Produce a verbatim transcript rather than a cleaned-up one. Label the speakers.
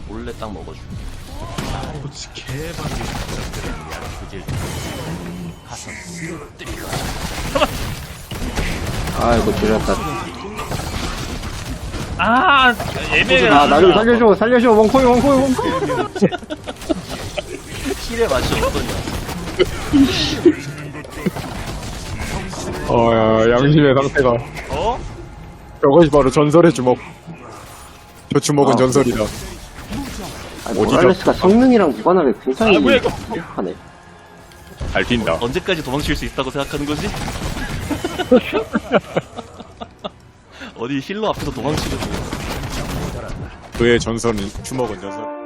Speaker 1: 몰래 딱 먹어줄게.
Speaker 2: 그렇지 개발이
Speaker 1: 가서 쓰러뜨리고.
Speaker 3: 아이고 들렸다.
Speaker 4: 아 애매해.
Speaker 3: 아 나 좀 살려줘 살려줘 원코이 원코이 원코이.
Speaker 1: 힐의 맛이 어떠냐?
Speaker 5: 어야 양심의 상태가.
Speaker 4: 어?
Speaker 5: 저것이 바로 전설의 주먹. 저 주먹은
Speaker 3: 아,
Speaker 5: 전설이다.
Speaker 3: 아, 모랄레스가 성능이랑 무관하게 굉장히
Speaker 4: 아, 뭐야, 이거.
Speaker 3: 하네.
Speaker 5: 잘 뛴다.
Speaker 1: 언제까지 도망칠 수 있다고 생각하는 거지? 어디 힐러 앞에서 도망치는 거.
Speaker 5: 그의 전설은 주먹은 전설.